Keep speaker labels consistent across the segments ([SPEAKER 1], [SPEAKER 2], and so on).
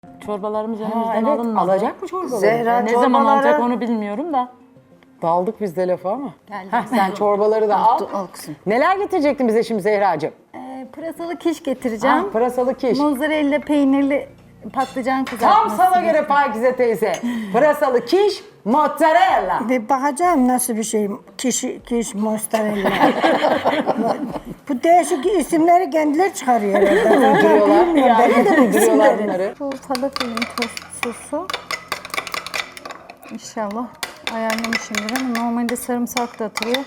[SPEAKER 1] Çorbalarımız önümüzden
[SPEAKER 2] Evet,
[SPEAKER 1] alınmadı.
[SPEAKER 2] alacak mı çorbaları?
[SPEAKER 3] Zehra
[SPEAKER 1] Ne zaman
[SPEAKER 3] çorbaları-
[SPEAKER 1] alacak onu bilmiyorum da.
[SPEAKER 2] Daldık biz de lafa ama.
[SPEAKER 4] Geldim.
[SPEAKER 2] Sen çorbaları da al.
[SPEAKER 3] Al kızım.
[SPEAKER 2] Neler getirecektin bize şimdi Zehracığım?
[SPEAKER 4] Pırasalı kiş getireceğim.
[SPEAKER 2] Pırasalı kiş.
[SPEAKER 4] Mozzarella peynirli patlıcan
[SPEAKER 2] Tam
[SPEAKER 4] kızartması.
[SPEAKER 2] sana göre Pakize teyze. Pırasalı kiş, mozzarella.
[SPEAKER 5] Bir bakacağım nasıl bir şey. Kiş mozzarella. Bu değişik isimleri kendileri çıkarıyor herhalde.
[SPEAKER 2] Uyduruyorlar.
[SPEAKER 5] Bilmiyorum, ben de bu
[SPEAKER 2] Uyduruyorlar
[SPEAKER 5] isimleri.
[SPEAKER 2] bunları.
[SPEAKER 4] Bu falafelin tost sosu. İnşallah ayarlamışımdır ama normalde sarımsak da atılıyor.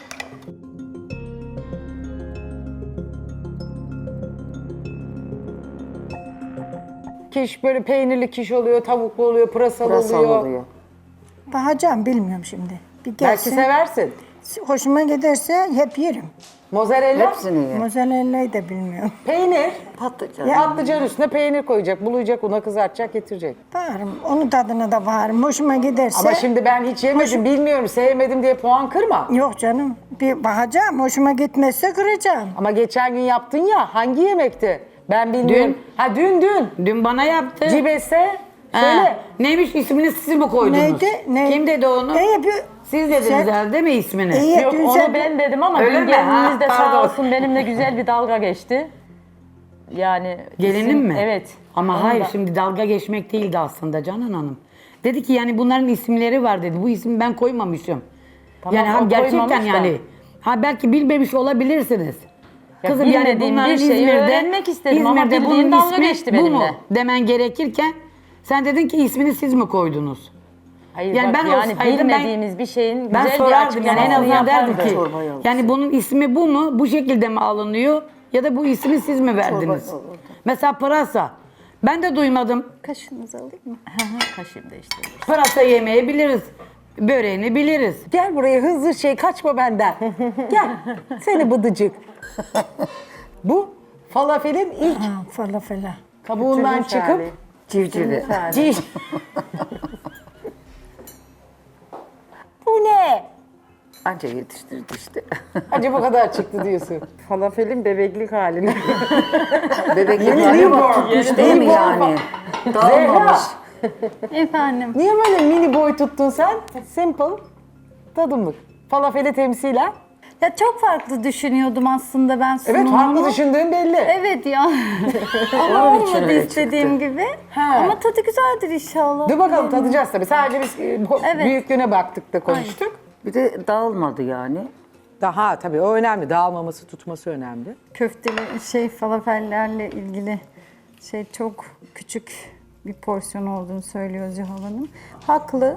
[SPEAKER 2] Kiş böyle peynirli kiş oluyor, tavuklu oluyor, pırasalı,
[SPEAKER 3] Pırasal
[SPEAKER 2] oluyor.
[SPEAKER 3] oluyor.
[SPEAKER 5] Bakacağım bilmiyorum şimdi. Bir
[SPEAKER 2] Belki
[SPEAKER 5] gelsin.
[SPEAKER 2] seversin.
[SPEAKER 5] Hoşuma giderse hep yerim.
[SPEAKER 2] Mozzarella,
[SPEAKER 3] Hepsini ye.
[SPEAKER 5] Mozzarella'yı da bilmiyorum.
[SPEAKER 2] peynir.
[SPEAKER 3] Patlıcan.
[SPEAKER 2] Patlıcan üstüne peynir koyacak, bulayacak, una kızartacak, getirecek.
[SPEAKER 5] Bağırım. Onun tadına da bağırım. Hoşuma giderse.
[SPEAKER 2] Ama şimdi ben hiç yemedim, bilmiyorum, sevmedim diye puan kırma.
[SPEAKER 5] Yok canım. Bir bakacağım. Hoşuma gitmezse kıracağım.
[SPEAKER 2] Ama geçen gün yaptın ya, hangi yemekti? Ben bilmiyorum. Dün.
[SPEAKER 6] Dün bana yaptı.
[SPEAKER 2] Cibese,
[SPEAKER 6] Ha,
[SPEAKER 2] söyle.
[SPEAKER 6] Neymiş ismini siz mi koydunuz?
[SPEAKER 5] Neydi? Ne?
[SPEAKER 6] Kim dedi onu?
[SPEAKER 5] Bir...
[SPEAKER 6] Siz dediniz
[SPEAKER 5] Sen-
[SPEAKER 6] herhalde değil mi ismini?
[SPEAKER 5] İyi,
[SPEAKER 1] Yok
[SPEAKER 5] dün
[SPEAKER 1] onu
[SPEAKER 5] sen-
[SPEAKER 1] ben dedim ama
[SPEAKER 6] Öyle
[SPEAKER 1] dün
[SPEAKER 6] mi?
[SPEAKER 1] gelininiz de
[SPEAKER 6] Ha,
[SPEAKER 1] sağ
[SPEAKER 6] pardon.
[SPEAKER 1] olsun benimle güzel bir dalga geçti. Yani
[SPEAKER 6] Gelinim mi?
[SPEAKER 1] Evet.
[SPEAKER 6] Ama
[SPEAKER 1] Onu
[SPEAKER 6] hayır
[SPEAKER 1] da-
[SPEAKER 6] şimdi dalga geçmek değildi aslında Canan Hanım. Dedi ki yani bunların isimleri var dedi. Bu ismi ben koymamışım.
[SPEAKER 1] Tamam,
[SPEAKER 6] yani
[SPEAKER 1] o
[SPEAKER 6] gerçekten
[SPEAKER 1] koymamış da.
[SPEAKER 6] yani. Ha belki bilmemiş olabilirsiniz.
[SPEAKER 1] Ya
[SPEAKER 6] Kızım yani
[SPEAKER 1] bilmediğim
[SPEAKER 6] bunların
[SPEAKER 1] bir şeyi
[SPEAKER 6] İzmir'de,
[SPEAKER 1] öğrenmek istedim ama
[SPEAKER 6] İzmir'de
[SPEAKER 1] bildiğim
[SPEAKER 6] bunun
[SPEAKER 1] dalga
[SPEAKER 6] ismi
[SPEAKER 1] geçti
[SPEAKER 6] bu mu
[SPEAKER 1] benimle.
[SPEAKER 6] demen gerekirken sen dedin ki ismini siz mi koydunuz?
[SPEAKER 1] Hayır
[SPEAKER 6] Yani
[SPEAKER 1] bak
[SPEAKER 6] ben
[SPEAKER 1] yani
[SPEAKER 6] olsaydım ben-
[SPEAKER 1] bilmediğimiz bir şeyin
[SPEAKER 6] Ben
[SPEAKER 1] güzel bir
[SPEAKER 6] sorardım yani en
[SPEAKER 1] açıklamasını
[SPEAKER 6] azından derdim
[SPEAKER 1] yapardı.
[SPEAKER 6] ki
[SPEAKER 3] Çorbayı alırsın.
[SPEAKER 6] yani bunun ismi bu mu? Bu şekilde mi alınıyor? Ya da bu ismi siz mi verdiniz?
[SPEAKER 3] Çorba olurdu.
[SPEAKER 6] Mesela pırasa. Ben de duymadım.
[SPEAKER 4] Kaşığınızı alayım mı?
[SPEAKER 1] Kaşığım da işte.
[SPEAKER 6] Pırasa yemeği biliriz. Böreğini biliriz.
[SPEAKER 2] Gel buraya hızlı kaçma benden. Gel, seni bıdıcık. Bu falafelin ilk
[SPEAKER 5] Ha, falafela.
[SPEAKER 2] kabuğundan çıkıp
[SPEAKER 3] Civcivi.
[SPEAKER 2] ciş. Bu ne?
[SPEAKER 3] Anca yetiştirdi işte.
[SPEAKER 2] Acaba bu kadar çıktı diyorsun.
[SPEAKER 7] Falafelin bebeklik halini.
[SPEAKER 3] Bebeklik
[SPEAKER 2] Yeni
[SPEAKER 3] hali
[SPEAKER 2] newborn.
[SPEAKER 3] bak tutmuş değil mi
[SPEAKER 2] Newborn
[SPEAKER 3] yani? Dağılmamış.
[SPEAKER 4] Efendim.
[SPEAKER 2] Niye böyle mini boy tuttun sen? Simple, tadımlık. Falafeli temsilen.
[SPEAKER 4] Ya çok farklı düşünüyordum aslında ben
[SPEAKER 2] Evet,
[SPEAKER 4] sunumumu.
[SPEAKER 2] farklı düşündüğün belli.
[SPEAKER 4] Evet ya. Ama
[SPEAKER 3] Onun için
[SPEAKER 4] olmadı
[SPEAKER 3] öyle
[SPEAKER 4] istediğim gibi.
[SPEAKER 2] Ha.
[SPEAKER 4] Ama tadı güzeldir inşallah.
[SPEAKER 2] Dur bakalım tadacağız tabii. Sadece biz
[SPEAKER 4] Evet.
[SPEAKER 2] büyüklüğüne baktık da konuştuk.
[SPEAKER 3] Bir de dağılmadı yani.
[SPEAKER 2] Daha tabii o önemli. Dağılmaması, tutması önemli.
[SPEAKER 4] Köfteli falafellerle ilgili çok küçük bir porsiyon olduğunu söylüyor Zuhal Hanım. Haklı.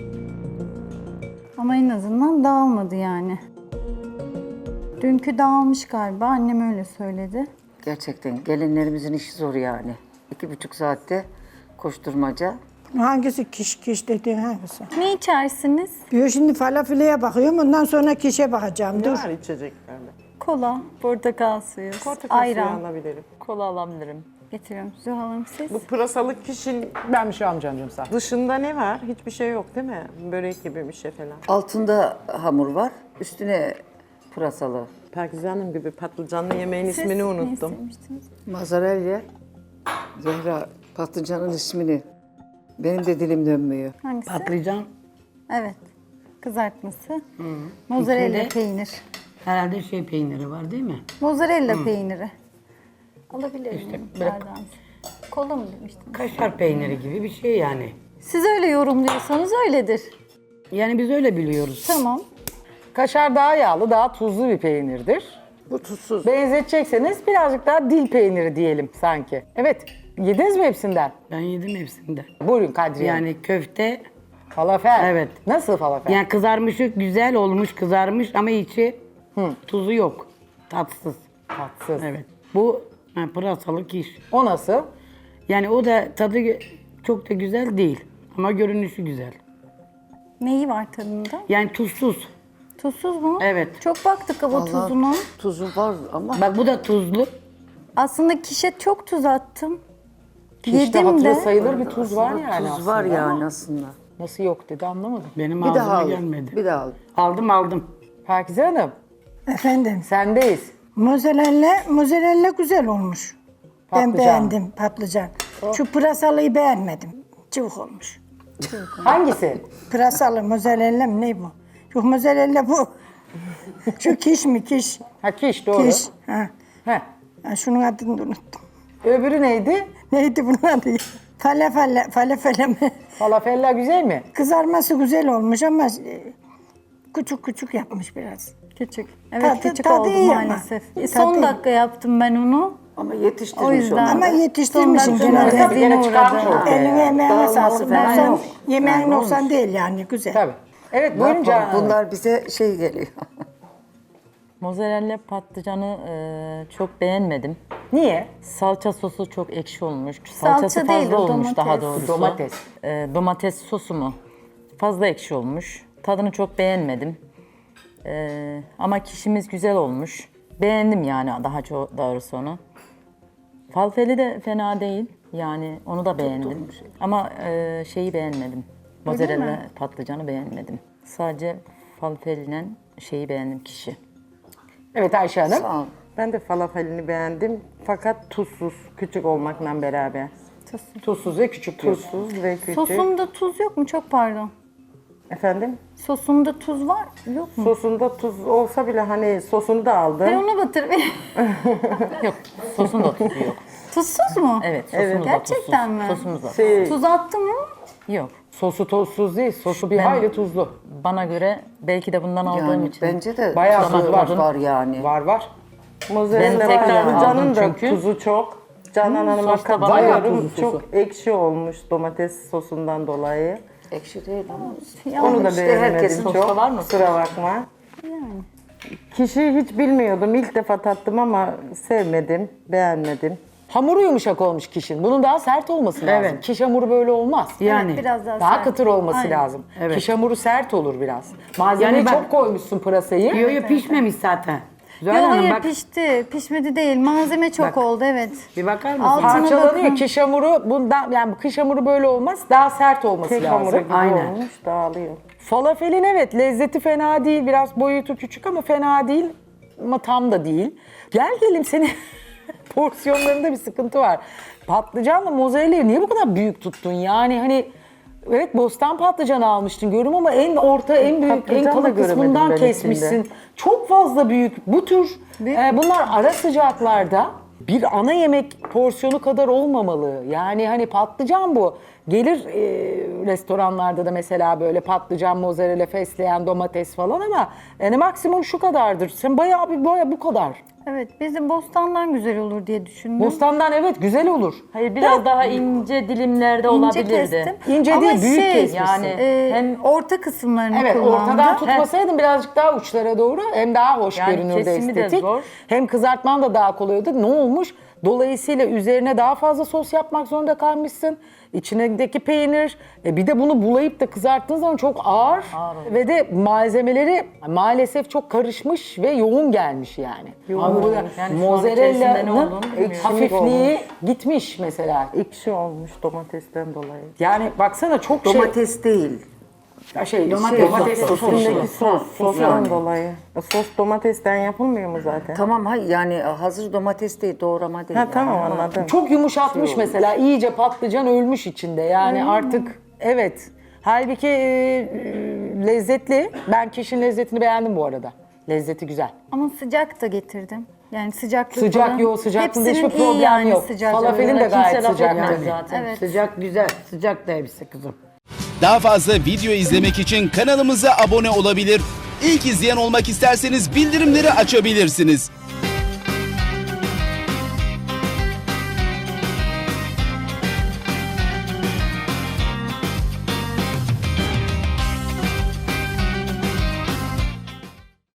[SPEAKER 4] Ama en azından dağılmadı yani. Dünkü dağılmış galiba. Annem öyle söyledi.
[SPEAKER 3] Gerçekten gelinlerimizin işi zor yani. 2,5 saatte koşturmaca.
[SPEAKER 5] Hangisi kiş dediğin hangisi?
[SPEAKER 4] Ne içersiniz?
[SPEAKER 5] Diyor şimdi falafeliye bakıyorum. Ondan sonra kişe bakacağım.
[SPEAKER 7] Ne
[SPEAKER 5] Dur.
[SPEAKER 7] var içeceklerde?
[SPEAKER 4] Kola, portakal suyu,
[SPEAKER 7] Portakal suyu
[SPEAKER 4] ayran
[SPEAKER 7] alabilirim.
[SPEAKER 1] Kola alabilirim.
[SPEAKER 4] getiriyorum. Zuhal Hanım siz?
[SPEAKER 7] Bu pırasalı kişinin
[SPEAKER 2] Ben bir şey almayacağım canım sağ ol.
[SPEAKER 7] dışında ne var? Hiçbir şey yok değil mi? Börek gibi bir şey falan.
[SPEAKER 3] Altında hamur var. Üstüne pırasalı.
[SPEAKER 7] Pakize Hanım gibi patlıcanlı yemeğin
[SPEAKER 4] Siz
[SPEAKER 7] ismini
[SPEAKER 4] ne
[SPEAKER 7] unuttum.
[SPEAKER 4] istemiştiniz?
[SPEAKER 3] Mozzarella. Zehra patlıcanın ismini. Benim de dilim dönmüyor.
[SPEAKER 4] Hangisi?
[SPEAKER 6] Patlıcan
[SPEAKER 4] Evet. Kızartması. Mozzarella
[SPEAKER 6] İçinde-
[SPEAKER 4] peynir.
[SPEAKER 6] herhalde peyniri var değil mi?
[SPEAKER 4] Mozzarella peyniri. Alabilir miyim? Nereden? Kola mı demiştiniz?
[SPEAKER 6] Kaşar peyniri gibi bir şey yani.
[SPEAKER 4] Siz öyle yorumluyorsanız öyledir.
[SPEAKER 6] Yani biz öyle biliyoruz.
[SPEAKER 4] Tamam.
[SPEAKER 2] Kaşar daha yağlı, daha tuzlu bir peynirdir.
[SPEAKER 3] Bu tuzsuz.
[SPEAKER 2] Benzetecekseniz birazcık daha dil peyniri diyelim sanki. Evet, yediniz mi hepsinden?
[SPEAKER 6] Ben yedim hepsinden.
[SPEAKER 2] Buyurun Kadriye. Hanım.
[SPEAKER 6] Yani köfte,
[SPEAKER 2] Falafel.
[SPEAKER 6] Evet.
[SPEAKER 2] Nasıl falafel?
[SPEAKER 6] yani kızarmışı güzel olmuş, kızarmış ama içi tuzu yok. Tatsız.
[SPEAKER 2] Tatsız.
[SPEAKER 6] Evet. Bu pırasalı kiş.
[SPEAKER 2] O nasıl?
[SPEAKER 6] Yani o da tadı çok da güzel değil ama görünüşü güzel.
[SPEAKER 4] Neyi var tadında?
[SPEAKER 6] Yani tuzsuz.
[SPEAKER 4] Tuzsuz mu?
[SPEAKER 6] Evet.
[SPEAKER 4] Çok baktık ama tuzuna.
[SPEAKER 3] Tuzu var ama
[SPEAKER 6] Bak bu da tuzlu.
[SPEAKER 4] Aslında kişe çok tuz attım.
[SPEAKER 2] Kişte
[SPEAKER 4] Yedim
[SPEAKER 2] hatırı
[SPEAKER 4] de.
[SPEAKER 2] sayılır bir tuz var yani
[SPEAKER 3] tuz
[SPEAKER 2] aslında.
[SPEAKER 3] var yani
[SPEAKER 2] ama
[SPEAKER 3] aslında.
[SPEAKER 2] Nasıl yok dedi anlamadım.
[SPEAKER 6] Benim
[SPEAKER 3] Bir daha
[SPEAKER 6] ağzıma
[SPEAKER 3] al.
[SPEAKER 6] gelmedi.
[SPEAKER 3] Bir daha al.
[SPEAKER 6] Aldım.
[SPEAKER 2] Pakize Hanım,
[SPEAKER 5] Efendim.
[SPEAKER 2] sendeyiz.
[SPEAKER 5] Mozzarella güzel olmuş. Ben
[SPEAKER 2] Patlıcan.
[SPEAKER 5] beğendim patlıcan. Şu pırasalıyı beğenmedim. Cıvık olmuş.
[SPEAKER 2] Hangisi?
[SPEAKER 5] Pırasalı, mozzarella mı ne bu? Yok mozzarella bu. Şu kiş mi kiş?
[SPEAKER 2] Ha kiş doğru.
[SPEAKER 5] Kiş. Ha.
[SPEAKER 2] Heh.
[SPEAKER 5] Ha, şunun adını da unuttum.
[SPEAKER 2] Öbürü neydi?
[SPEAKER 5] Neydi bunun adı? Falafel mi?
[SPEAKER 2] Falafella güzel mi?
[SPEAKER 5] Kızarması güzel olmuş ama küçük küçük yapmış biraz.
[SPEAKER 4] Küçük. Evet
[SPEAKER 5] Tadı-
[SPEAKER 4] küçük
[SPEAKER 5] tadı
[SPEAKER 4] oldu
[SPEAKER 5] iyi ama.
[SPEAKER 4] maalesef.
[SPEAKER 5] Tadı
[SPEAKER 4] Son
[SPEAKER 5] iyi.
[SPEAKER 4] dakika yaptım ben onu.
[SPEAKER 3] Ama yetiştirmiş
[SPEAKER 4] O yüzden.
[SPEAKER 3] onu.
[SPEAKER 5] Ama yetiştirmişsin
[SPEAKER 4] Son
[SPEAKER 5] gene
[SPEAKER 4] dakika
[SPEAKER 5] de.
[SPEAKER 2] Tabii gene çıkarmış
[SPEAKER 4] uğradı.
[SPEAKER 2] ortaya.
[SPEAKER 5] Eline emeğine
[SPEAKER 3] Dağılması
[SPEAKER 5] sağlık.
[SPEAKER 3] falan
[SPEAKER 5] Noksan,
[SPEAKER 3] yok.
[SPEAKER 5] yemeğin
[SPEAKER 3] Yani
[SPEAKER 5] noksan
[SPEAKER 3] olmuş.
[SPEAKER 5] değil yani güzel.
[SPEAKER 2] Tabii. Evet
[SPEAKER 3] Ne
[SPEAKER 2] buyurun
[SPEAKER 3] yapalım?
[SPEAKER 2] Canan Hanım.
[SPEAKER 3] Bunlar bize şey geliyor.
[SPEAKER 1] Mozzarella patlıcanı çok beğenmedim.
[SPEAKER 2] Niye?
[SPEAKER 1] Salça sosu çok ekşi olmuş.
[SPEAKER 4] Salça
[SPEAKER 1] Salçası
[SPEAKER 4] değil,
[SPEAKER 1] fazla
[SPEAKER 4] o
[SPEAKER 1] olmuş
[SPEAKER 4] domates.
[SPEAKER 1] daha doğrusu.
[SPEAKER 2] Domates.
[SPEAKER 1] Domates sosu mu? Fazla ekşi olmuş. Tadını çok beğenmedim. Ama kişimiz güzel olmuş. Beğendim yani daha çok doğrusu onu. Falfeli de fena değil. Yani onu da beğendim. Ama şeyi beğenmedim. Mozzarella patlıcanı beğenmedim. Sadece falfeliyle şeyi beğendim kişi.
[SPEAKER 2] Evet Ayşe Hanım.
[SPEAKER 3] Sağ ol.
[SPEAKER 7] Ben de falafelini beğendim fakat tuzsuz, küçük olmakla beraber.
[SPEAKER 2] Tuzsuz ve küçük diyorsun.
[SPEAKER 7] Tuzsuz ve küçük.
[SPEAKER 4] Sosunda tuz yok mu? Çok pardon.
[SPEAKER 7] Efendim?
[SPEAKER 4] Sosunda tuz var yok mu?
[SPEAKER 7] Sosunda tuz olsa bile hani sosunu da aldım.
[SPEAKER 4] Ben onu batırayım.
[SPEAKER 1] Yok, sosun da tuzu yok.
[SPEAKER 4] Tuzsuz mu?
[SPEAKER 1] Evet, sosumuz da
[SPEAKER 4] Gerçekten
[SPEAKER 1] tuzsuz.
[SPEAKER 4] mi?
[SPEAKER 1] Sosumuz da
[SPEAKER 7] Şey,
[SPEAKER 4] Tuz attın mı?
[SPEAKER 1] yok.
[SPEAKER 2] Sosu tuzsuz değil. Sosu bir
[SPEAKER 1] Ben-
[SPEAKER 2] hayli tuzlu.
[SPEAKER 1] Bana göre belki de bundan aldığım
[SPEAKER 3] Yani
[SPEAKER 1] için.
[SPEAKER 3] bence de
[SPEAKER 2] Bayağı
[SPEAKER 3] tuzu
[SPEAKER 2] tuz
[SPEAKER 3] var,
[SPEAKER 2] var.
[SPEAKER 3] yani.
[SPEAKER 2] Var.
[SPEAKER 7] mozzarella
[SPEAKER 1] Ben tekrar
[SPEAKER 7] patlıcanın
[SPEAKER 1] aldım
[SPEAKER 7] da
[SPEAKER 1] çünkü.
[SPEAKER 7] tuzu çok. Canan Hanım'a
[SPEAKER 1] sos da bana
[SPEAKER 2] bayağı
[SPEAKER 7] katılıyorum.
[SPEAKER 2] tuzlu
[SPEAKER 7] Çok
[SPEAKER 2] sosu.
[SPEAKER 7] ekşi olmuş domates sosundan dolayı.
[SPEAKER 3] Ekşi değil ama.
[SPEAKER 7] Onu da
[SPEAKER 3] işte
[SPEAKER 7] beğenmedim
[SPEAKER 3] herkesin
[SPEAKER 7] çok.
[SPEAKER 1] sosu var mı?
[SPEAKER 7] Kusura bakma. Kişiyi hiç bilmiyordum. İlk defa tattım ama sevmedim, beğenmedim.
[SPEAKER 2] Hamuru yumuşak olmuş kişinin. Bunun daha sert olması lazım.
[SPEAKER 6] Evet.
[SPEAKER 2] Kiş hamuru böyle olmaz.
[SPEAKER 6] Yani
[SPEAKER 4] Biraz daha
[SPEAKER 2] Daha
[SPEAKER 4] sert.
[SPEAKER 2] kıtır olması
[SPEAKER 4] Aynen.
[SPEAKER 2] lazım.
[SPEAKER 6] Evet.
[SPEAKER 2] Kiş hamuru sert olur biraz. Malzemeyi
[SPEAKER 6] Yani ben-
[SPEAKER 2] çok koymuşsun pırasayı.
[SPEAKER 6] yo pişmemiş zaten. Zuhal
[SPEAKER 4] Yok
[SPEAKER 6] Hanım
[SPEAKER 4] hayır
[SPEAKER 6] bak
[SPEAKER 4] pişti. Pişmedi değil. Malzeme çok
[SPEAKER 6] Bak.
[SPEAKER 4] oldu evet.
[SPEAKER 6] bir bakar mısın?
[SPEAKER 4] Altına
[SPEAKER 2] Parçalanıyor.
[SPEAKER 4] bakın.
[SPEAKER 2] Kiş hamuru bundan yani kış hamuru böyle olmaz. Daha sert olması
[SPEAKER 7] Tek
[SPEAKER 2] lazım.
[SPEAKER 7] hamuru gibi
[SPEAKER 6] Aynen.
[SPEAKER 7] olmuş, dağılıyor.
[SPEAKER 2] Falafelin evet lezzeti fena değil. Biraz boyutu küçük ama fena değil. Ama tam da değil. Gel gelin senin porsiyonlarında bir sıkıntı var. Patlıcanla mozzarella'yı niye bu kadar büyük tuttun? Yani hani evet bostan patlıcanı almıştın görüyorum ama en orta, en büyük, en
[SPEAKER 7] Patlıcan da
[SPEAKER 2] kalın
[SPEAKER 7] göremedim
[SPEAKER 2] kısmından
[SPEAKER 7] ben
[SPEAKER 2] kesmişsin.
[SPEAKER 7] içinde.
[SPEAKER 2] Çok fazla büyük. Bu tür bunlar ara sıcaklarda bir ana yemek porsiyonu kadar olmamalı. Yani hani patlıcan bu. Gelir restoranlarda da mesela böyle patlıcan, mozzarella, fesleğen, domates falan ama yani maksimum şu kadardır. Sen bayağı bu kadar.
[SPEAKER 4] Evet bizim bostandan güzel olur diye düşündüm.
[SPEAKER 2] Bostandan evet güzel olur.
[SPEAKER 1] Hayır biraz daha ince dilimlerde
[SPEAKER 4] İnce
[SPEAKER 1] olabilirdi.
[SPEAKER 4] kestim.
[SPEAKER 2] İnce
[SPEAKER 4] Ama
[SPEAKER 2] değil, büyük kesmişsin.
[SPEAKER 1] Yani
[SPEAKER 4] hem orta kısımlarını
[SPEAKER 2] Evet
[SPEAKER 4] kullandım.
[SPEAKER 2] ortadan tutmasaydın birazcık daha uçlara doğru hem daha hoş
[SPEAKER 1] Yani
[SPEAKER 2] görünürdü
[SPEAKER 1] kesimi de
[SPEAKER 2] estetik.
[SPEAKER 1] zor.
[SPEAKER 2] Hem kızartman da daha kolay oldu. Ne olmuş? Dolayısıyla üzerine daha fazla sos yapmak zorunda kalmışsın. İçindeki peynir, bir de bunu bulayıp da kızarttığın zaman çok ağır. Ve de malzemeleri maalesef çok karışmış ve yoğun gelmiş yani. Hamurda
[SPEAKER 1] Yani şu an içerisinde ne
[SPEAKER 2] mozzarella'nın
[SPEAKER 1] olduğunu bilmiyorum.
[SPEAKER 2] hafifliği gitmiş mesela.
[SPEAKER 7] Ekşi olmuş domatesten dolayı.
[SPEAKER 2] Yani baksana çok
[SPEAKER 3] Domates değil.
[SPEAKER 2] domates sosu.
[SPEAKER 7] İçindeki sos, sostan
[SPEAKER 3] Yani.
[SPEAKER 7] dolayı. Sos domatesten yapılmıyor mu zaten?
[SPEAKER 3] Tamam hayır yani hazır domates değil, doğrama değil.
[SPEAKER 7] Ha
[SPEAKER 3] yani.
[SPEAKER 7] tamam
[SPEAKER 3] Ama
[SPEAKER 7] anladım.
[SPEAKER 2] Çok yumuşatmış mesela. İyice patlıcan ölmüş içinde. Yani artık evet. Halbuki lezzetli. Ben kişinin lezzetini beğendim bu arada. Lezzeti güzel.
[SPEAKER 4] Ama sıcak da getirdim. Yani sıcaklık
[SPEAKER 2] Sıcak
[SPEAKER 4] falan.
[SPEAKER 2] yok, sıcaklığında
[SPEAKER 4] Hepsinin
[SPEAKER 2] hiçbir
[SPEAKER 4] iyi
[SPEAKER 2] problem
[SPEAKER 4] yani
[SPEAKER 2] yok.
[SPEAKER 4] sıcak.
[SPEAKER 2] Falafelin de
[SPEAKER 1] Kimse
[SPEAKER 2] gayet
[SPEAKER 1] laf
[SPEAKER 2] sıcak.
[SPEAKER 1] etmez
[SPEAKER 2] Yani.
[SPEAKER 1] zaten.
[SPEAKER 4] Evet.
[SPEAKER 6] Sıcak güzel. Sıcak da hepsi kızım.
[SPEAKER 8] Daha fazla video izlemek için kanalımıza abone olabilir. İlk izleyen olmak isterseniz bildirimleri açabilirsiniz.